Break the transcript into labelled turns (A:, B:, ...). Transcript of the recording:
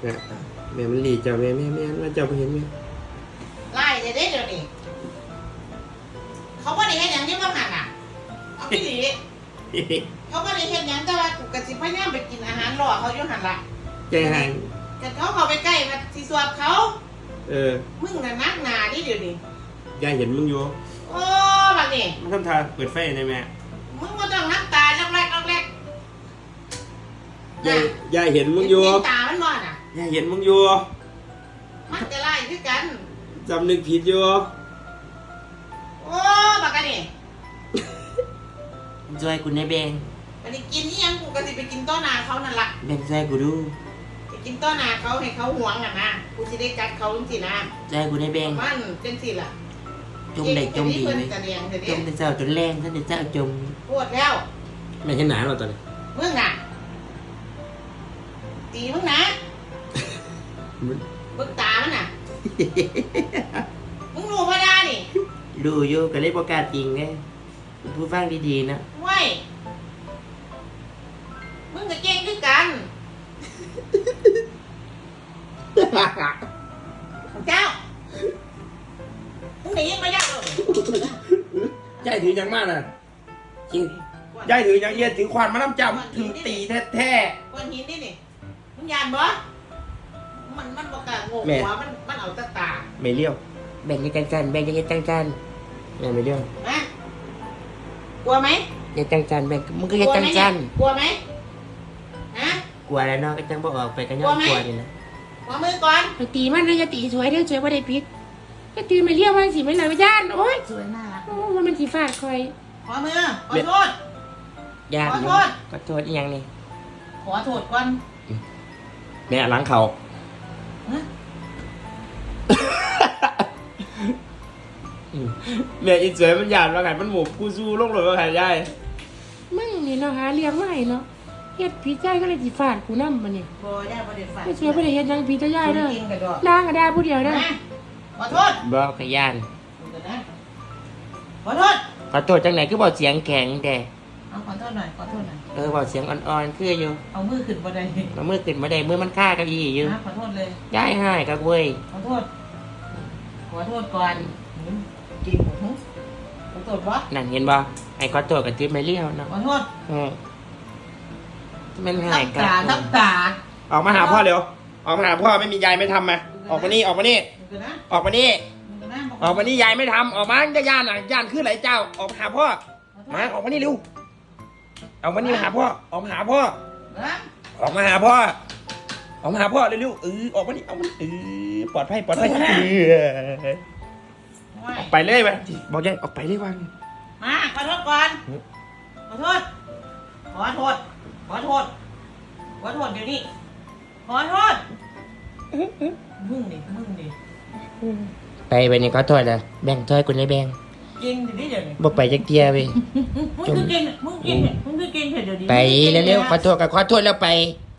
A: นะแม่มันหลีเจ้าแม่ว่าเจ้าไปเห็นไหม
B: ไล่เดี๋ยวนี้เขาไม่ได้เห็นอย่างนี้บ้างหันอ่ะเอาพี่หลีเขาไม่ได้เห็นอย่างแต่ว่ากูกระสิพยายามไปกินอาหารรอเขาอยู่หันละ
A: ใจหาย
B: แต่เขาไปใกล้มาที่สวบเขา มึงน่ะนักหนาดิเดี๋ยวนี้
A: ยายเห็นมึงอยู่
B: โอ้บักนี่
A: มันทำทาเปิดไฟได้ไหม
B: มึงมาต้องน้ำตาล็อกแรก
A: ยายเห็นมึงอยู่
B: ตามันมอนอ่ะ
A: ยายเห็นมึงอยู่
B: มันจะไล่คือกัน
A: จำนึกผิดอยู่
B: โอ้บักกันนี่
C: ช่วยกูในแบง
B: บักนี่กินนี่ยังกูกระสิไปกินต้อนาเขานั่นละ
C: แบงช่วยกูดู
B: ไปกินต้อนาเขาให้เขาหวงอ่ะนะกูจะได้กัดเขาจริงๆนะ
C: ช่วยกูในแบง
B: มันเป็นสิล่ะ
C: จมได้จมดี
B: เล
C: ไหม
B: ยจ
C: จมแต่เจ้าจนแรงท่านเจ้าจม
B: ปวดแล้ว
A: ไม่เห็นหนาเราตอนนี้
B: มึงน่ะตีมึงนะบึกตามันน่ะ มึงรู้ว่าได้นี่
C: ดูอยู่ก็เลยประกล้าศจริงไงผู้ฟังดีๆนะ
B: เว้ยมึงกับเก่งด้วยกันเจ้ามึงหนียังไม่ได้เลย
A: ยายถือยังมากน่ะจริงยายถือยังเอียถือควานมาน้ำจำถือตีแท้
B: ก้อนหินนี่นี่มึงยานบ่มันบอกกะงงหัวมันเอาตาตา
A: ๆไม่เลี้ยว
C: แบ่งยังจันแบ่งยังจัน
A: แม่ไม่เลี้ยว
B: นะกลัวไหม
C: ยังจันแบ่งมึงก็ยังจัน
B: กลัวไหมฮะ
C: กลัวแล้วเนาะก็จังบอกออกไปก็ย้อนกลัวนี่นะ
B: ขอมือก่อน
D: ไปตีมันนะอย่าตีสวยเด้อสวยบ่ได้พิษก็ตีไม่เรียกว่าสิไม่หลังย่านโอ๊ย
B: สวยน่ารัก
D: โอ้ว่ามันสิฟาดคอย
B: ขอมือขอโทษ
C: ญาติ
B: ขอโทษ
C: ก็โทษอีหยังนี่
B: ขอโทษก่อน
A: แม่ล้างเขา
B: ฮะ
A: แม่อินสวยมันหยาดว่าไงมันหมูกูสู้ลงเลยว่าไงยาย
D: มึงนี่เนาะหาเลี้ยงมาให้เนาะเฮ็ดผิดใจก็เลยสิฟาดกูนำบัดนี้
B: บ่ได้บ่ได้ฝาก
D: ไม่สวยบ่ได้เฮ็ดหยังผิดต่อยายเด้อ
B: จริงๆกระดอก
D: ด่าก็ด่าผู้เดียวเด้อ
B: นะขอโทษ
C: บอกกับญาติ
B: เดี๋ยวนะขอโทษ
C: ขอโทษจังไหนคือบอกเสียงแข็งแต่
B: เอาขอโทษหน่อยขอโทษหน่อย
C: บอกเสียงอ่อนๆคืออยู่
B: เอามือขึ้นบ่ได้
C: เอามือขึ้นมาได้มือมันฆ่ากับอีอยู่
B: นะขอโทษเลย
C: ย้ายให้กับเว้ย
B: ขอโทษขอโทษก่อนจริงหูขอโทษบ่
C: นั่นเห็นบ่ไอ้ขอโทษกับทิพย์ไม่เลี้ยวเนาะ
B: ขอโทษ
C: มันหาย
B: ทับ
C: กั
B: ตาทับตา
A: ออกมาหาพ่อเร็วออกมาหาพ่อไม่มียายไม่ทำมาออกมานี่ออกมานี่
B: เดี๋ยวนะ
A: ออกมานี่
B: เดี๋ยวนะ
A: ออกมานี่ยายไม่ทำออกมาจะย่านอ่ะย่านขึ้นไหลเจ้าออกมาหาพ่อ
B: ขอโทษ
A: มาออกมานี่เร็วออกมานี่มาหาพ่อออกมาหาพ่อ
B: นะ
A: ออกมาหาพ่อออกมาหาพ่อเร็วๆออกมานี่เอามันปลอดภัยปลอดภัย
B: ไม่
A: ไปเลยไปบอกยายออกไปเลยวัน
B: มาขอโทษก่อนขอโทษขอโทษขอโทษขอโทษเดี๋ยวนี้ขอโทษมึงดิ
C: ไปนี่ขอโทษนะแบ่งถ้วยกูในแบ่ง
B: เก่งดิเดี๋ยวนี้
C: บ่ไปจักเทียเว้ย
B: มึงคือเก่งเดี๋ยวนี้
C: ไปเร็วๆขอโทษกับขอโทษแล้วไป